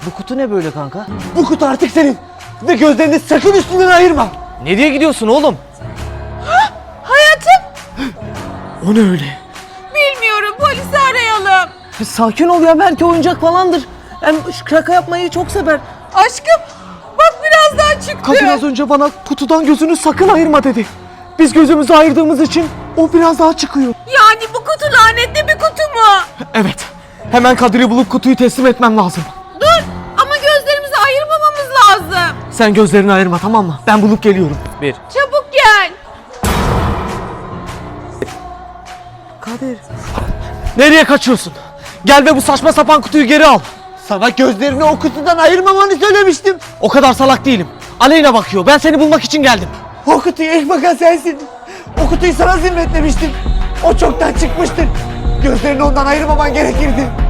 Bu kutu ne böyle kanka? Bu kutu artık senin. Ve gözlerini sakın üstünden ayırma. Nereye gidiyorsun oğlum? Hayatım, O ne öyle? bilmiyorum, polisi arayalım. Sakin ol ya, belki oyuncak falandır. Hem şaka yapmayı çok sever. Aşkım, bak biraz daha çıktı. Kadın az önce bana kutudan gözünü sakın ayırma dedi. Biz gözümüzü ayırdığımız için o biraz daha çıkıyor. Yani bu kutu lanetli bir kutu mu? Evet. Hemen Kadir'i bulup kutuyu teslim etmem lazım. Dur, ama gözlerimizi ayırmamamız lazım. Sen gözlerini ayırma, tamam mı? Ben bulup geliyorum. Bir. Çabuk gel. Kadir. Nereye kaçıyorsun? Gel ve bu saçma sapan kutuyu geri al. Sana gözlerini o kutudan ayırmamanı söylemiştim. O kadar salak değilim. Aleyna bakıyor. Ben seni bulmak için geldim. O kutuyu ilk bakan sensin. O kutuyu sana zimmetlemiştim. O çoktan çıkmıştır. Gözlerini ondan ayırmaman gerekirdi.